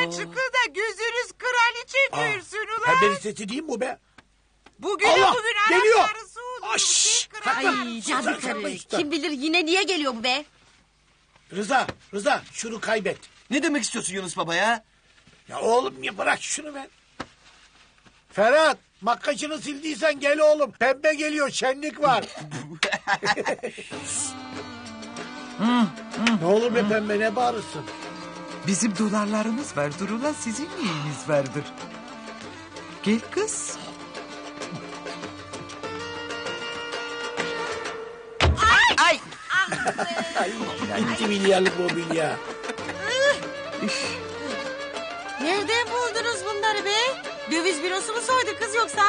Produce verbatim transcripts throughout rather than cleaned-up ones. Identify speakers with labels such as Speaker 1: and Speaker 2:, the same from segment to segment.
Speaker 1: Yukarı çıkın da gözünüz kraliçe görsün ulan.
Speaker 2: Pembenin sesi değil mi bu be?
Speaker 1: Bugün
Speaker 2: Allah,
Speaker 1: bugün
Speaker 2: geliyor.
Speaker 1: anahtarısı olur.
Speaker 2: Aş,
Speaker 3: Ay cadı karı. Kim bilir yine niye geliyor bu be?
Speaker 2: Rıza, Rıza şunu kaybet.
Speaker 4: Ne demek istiyorsun Yunus Baba ya?
Speaker 2: Ya oğlum ya bırak şunu ben. Ferhat, makyajını sildiysen gel oğlum. Pembe geliyor, şenlik var. Ne olur be pembe, ne bağırırsın?
Speaker 5: Bizim dolarlarımız vardır ulan, sizin neyiniz vardır? Gel kız.
Speaker 4: Ay!
Speaker 2: Ay, iki milyarlık mobilya.
Speaker 3: Nereden buldunuz bunları be? Döviz bürosu mu soydu kız yoksa?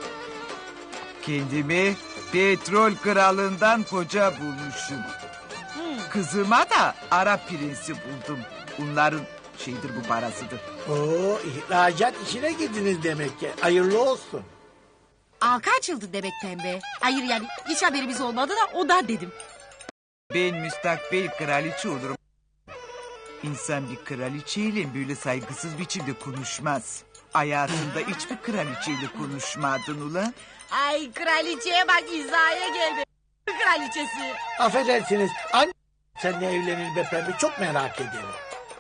Speaker 5: Kendimi petrol kralından koca bulmuşum. Kızıma da Arap prensi buldum. Bunların şeydir, bu parasıdır.
Speaker 2: Oo, ihracat işine girdiniz demek ki. Hayırlı olsun.
Speaker 3: Halka açıldı demek pembe. Hayır yani hiç haberimiz olmadı da o da dedim.
Speaker 5: Ben müstakbel kraliçe olurum. İnsan bir kraliçeyle böyle saygısız biçimde konuşmaz. Hayatında hiçbir kraliçeyle konuşmadın ulan.
Speaker 3: Ay kraliçeye bak hizaya geldi. Kraliçesi.
Speaker 2: Affedersiniz. Anne seninle evlenir be pembe, çok merak ederim.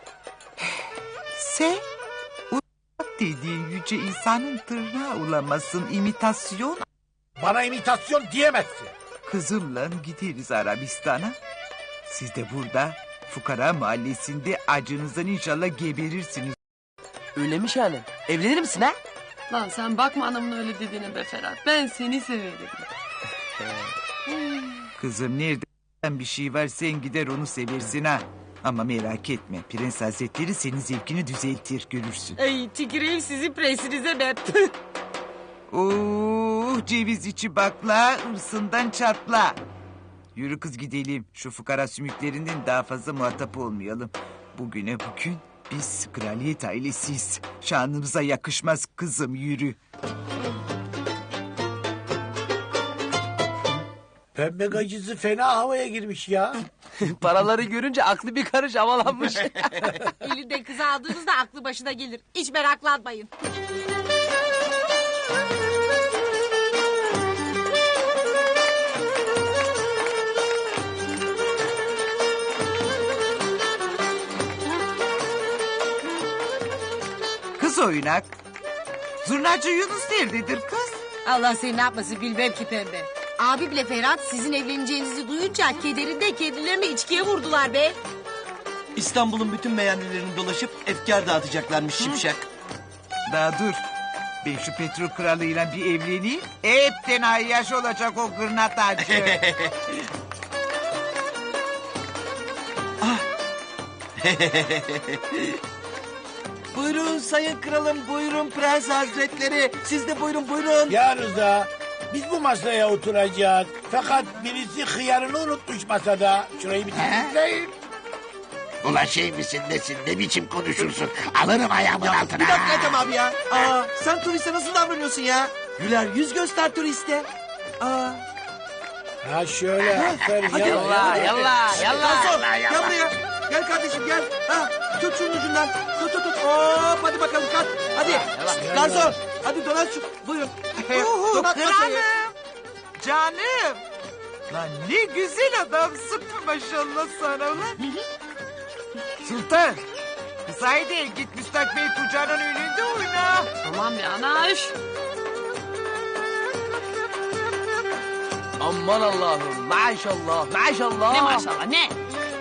Speaker 5: Sen o dediğin yüce insanın tırnağı olamasın, imitasyon.
Speaker 2: Bana imitasyon diyemezsin.
Speaker 5: Kızımla gideriz Arabistan'a. Siz de burada fukara mahallesinde acınızdan inşallah geberirsiniz.
Speaker 4: Öyle mi Şahanem? Evlenir misin ha?
Speaker 6: Lan sen bakma anamın öyle dediğine be Ferhat. Ben seni severim.
Speaker 5: Kızım nerede bir şey var, sen gider onu seversin ha. Ama merak etme, Prens Hazretleri senin zevkini düzeltir, görürsün.
Speaker 3: Ay tüküreyim sizin presinize ben.
Speaker 5: Oh, ceviz içi bakla, hırsından çatla. Yürü kız gidelim. Şu fukara sümüklerinden daha fazla muhatap olmayalım. Bugüne bugün biz kraliyet ailesiyiz. Şanımıza yakışmaz kızım, yürü.
Speaker 2: Pembe gacısı fena havaya girmiş ya.
Speaker 4: Paraları görünce aklı bir karış havalanmış.
Speaker 3: Elinde kızı aldığınızda aklı başına gelir. Hiç meraklanmayın.
Speaker 5: Kız oynak. Zurnacı Yunus nerededir kız?
Speaker 3: Allah seni ne yapmasın bilmem ki pembe. Abi bile Ferhat sizin evleneceğinizi duyunca kederinde kendilerini içkiye vurdular be.
Speaker 4: İstanbul'un bütün meyhanelerini dolaşıp efkar dağıtacaklarmış şimşek.
Speaker 5: Daha dur. Ben şu petrol kralıyla bir evleneyim. Hepten ayyaş olacak o gırnatacı.
Speaker 4: Buyurun sayın kralım, buyurun prens hazretleri. Siz de buyurun buyurun.
Speaker 2: Ya Rıza, biz bu masaya oturacağız. Fakat birisi hıyarını unutmuş masada. Şurayı bir temizleyin.
Speaker 7: Ulan şey misin nesin, ne biçim konuşursun? Alırım ayağımın altına.
Speaker 4: Bir dakika Ethem abi ya. Aa, sen turiste nasıl davranıyorsun ya? Güler yüz göster turiste. Aa.
Speaker 2: Ha şöyle, aferin.
Speaker 4: Hadi.
Speaker 2: Yallah,
Speaker 4: yallah,
Speaker 7: yallah.
Speaker 4: Garson,
Speaker 7: Yallah,
Speaker 4: gel
Speaker 7: yallah.
Speaker 4: buraya. Gel kardeşim gel. Ha, tut şunun ucundan. Tut tut tut. Hop hadi bakalım kalk. Hadi. Garson. Hadi dolan şu. Buyurun. Donat masayı.
Speaker 5: Kralım. Canım. Lan ne güzel adamsın maşallah sana lan. Sultan. Kız haydi git müstakbel kucağının önünde oyna.
Speaker 6: Tamam ya anaş.
Speaker 4: Aman Allah'ım. Maşallah. Maşallah.
Speaker 6: Ne maşallah ne?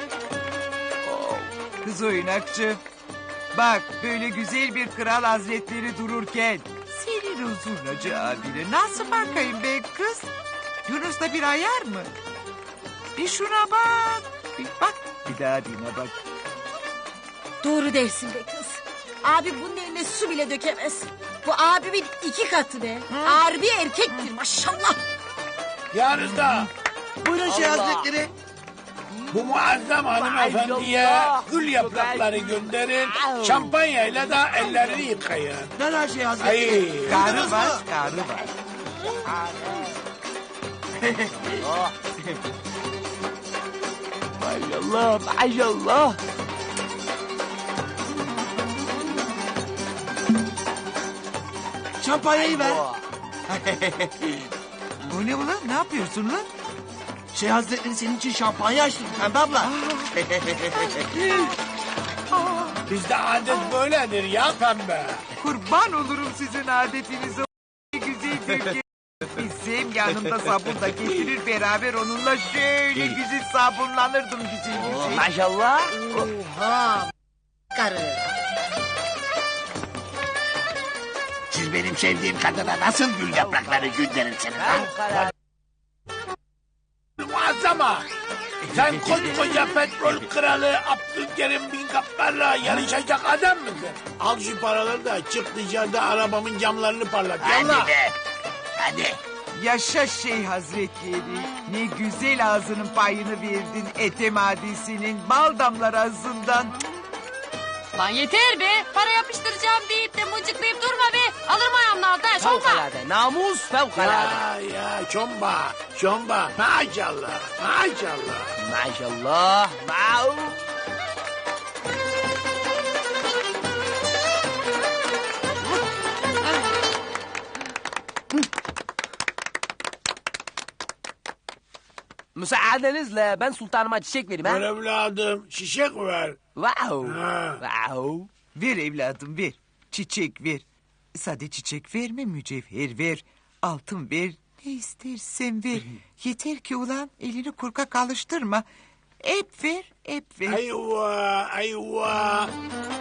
Speaker 5: Kız oynakçı. Bak böyle güzel bir kral hazretleri dururken senin o zurnacı abine nasıl bakayım be kız? Yunus'ta bir ayar mı? Bir şuna bak. Bir bak. Bir daha birine bak.
Speaker 3: Doğru dersin be kız. Abi bunun eline su bile dökemez. Bu abimin iki katı be. Harbi erkektir maşallah.
Speaker 2: Ya Rıza,
Speaker 4: Buyurun şey hazretleri.
Speaker 2: bu muazzam hanımefendiye gül yaprakları gönderin. Şampanyayla da ellerini yıkayın.
Speaker 4: Nerede şey hazretleri?
Speaker 2: Ay.
Speaker 5: Karı var, karı var.
Speaker 4: Maşallah. Maşallah. şampanyayı ver.
Speaker 5: Bu ne ulan? Ne yapıyorsun lan?
Speaker 4: Şey Hazretleri senin için şampanya açtım Pembe abla.
Speaker 2: Bizde adet böyledir ya pembe.
Speaker 5: Kurban olurum sizin adetinize. O güzel Türkiye. Bizim yanında sabun da getirir beraber onunla şöyle güzel sabunlanırdım güzel güzel.
Speaker 4: Maşallah.
Speaker 3: Oha. Karı.
Speaker 7: Siz benim sevdiğim kadına nasıl gül yaprakları gönderirsiniz ha?
Speaker 2: Muazzama. Sen koskoca petrol kralı Abdülkerim bin Kaplar'la yarışacak adam mısın? Al şu paraları da çık dışarıda arabamın camlarını parlat. Yallah.
Speaker 7: Hadi be. Hadi.
Speaker 5: Yaşa şey hazretleri. Ne güzel ağzının payını verdin Ethem Adisi'nin bal damlar ağzından.
Speaker 6: Lan yeter be. Para yapıştıracağım deyip de mıncıklayıp durma be. Alırım ayağımın altına. Şomba.
Speaker 4: Namus fevkalade.
Speaker 2: Ya ya çomba çomba maşallah maşallah.
Speaker 4: Maşallah. Mau. Müsaadenizle ben sultanıma çiçek vereyim
Speaker 2: Ver
Speaker 4: ha.
Speaker 2: evladım şişek ver.
Speaker 4: Wow.
Speaker 2: Ha.
Speaker 4: Wow.
Speaker 5: Ver evladım ver. Çiçek ver. Sade çiçek verme mücevher ver. Altın ver. Ne istersen ver. Yeter ki ulan elini korkak alıştırma. Hep ver, hep ver.
Speaker 2: Ayva ayva.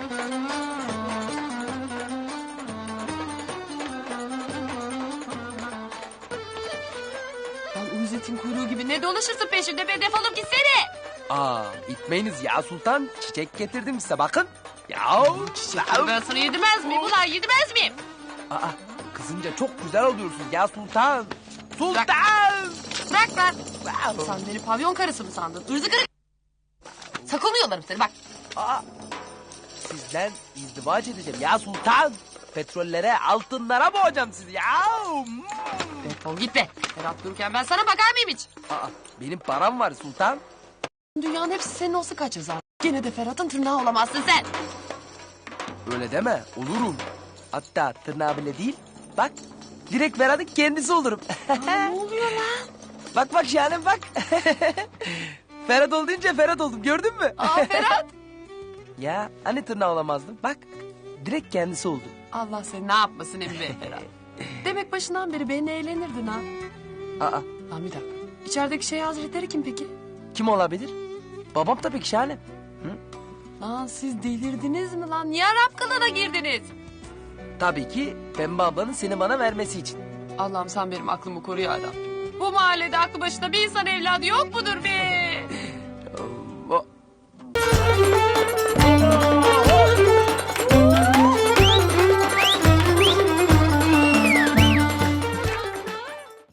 Speaker 6: Lan uyuzetin kuyruğu gibi ne dolaşırsın peşimde be, defolup gitsene.
Speaker 4: Aa, itmeyiniz ya sultan. Çiçek getirdim size bakın. Ya.
Speaker 6: Ben sana yedirmez miyim ulan, yedirmez miyim?
Speaker 4: Aa, kızınca çok güzel oluyorsun ya sultan. Sultan.
Speaker 6: Bırak lan. Sen beni pavyon karısı mı sandın? Irzı kırık. Sakalını yolarım seni bak.
Speaker 4: Aa, sizden izdivaç edeceğim ya sultan. Petrollere, altınlara boğacağım sizi ya. Hmm.
Speaker 6: Defol git be. Ferhat dururken ben sana bakar mıyım hiç?
Speaker 4: Aa, benim param var sultan.
Speaker 6: Dünyanın hepsi senin olsa kaç yazar? Gene de Ferhat'ın tırnağı olamazsın sen.
Speaker 4: Öyle deme, olurum. Hatta tırnağı bile değil. Bak, direkt Ferhat'ın kendisi olurum.
Speaker 6: Ne oluyor lan?
Speaker 4: Bak bak Şahanem bak. Ferhat ol deyince Ferhat oldum, gördün mü?
Speaker 6: Aa Ferhat.
Speaker 4: Ya hani tırnağı olamazdım? Bak, direkt kendisi oldu.
Speaker 6: Allah seni ne yapmasın Emin Bey Ferhat. Demek başından beri benimle eğlenirdin ha.
Speaker 4: Aa,
Speaker 6: Lan bir dakika. İçerideki şey hazretleri kim peki?
Speaker 4: kim olabilir? Babam tabii ki Şahanem.
Speaker 6: Lan siz delirdiniz mi lan? Niye Arap kılığına girdiniz?
Speaker 4: Tabii ki Pembe ablanın seni bana vermesi için.
Speaker 6: Allah'ım sen benim aklımı koru ya Rabbim. Bu mahallede aklı başında bir insan evladı yok mudur be?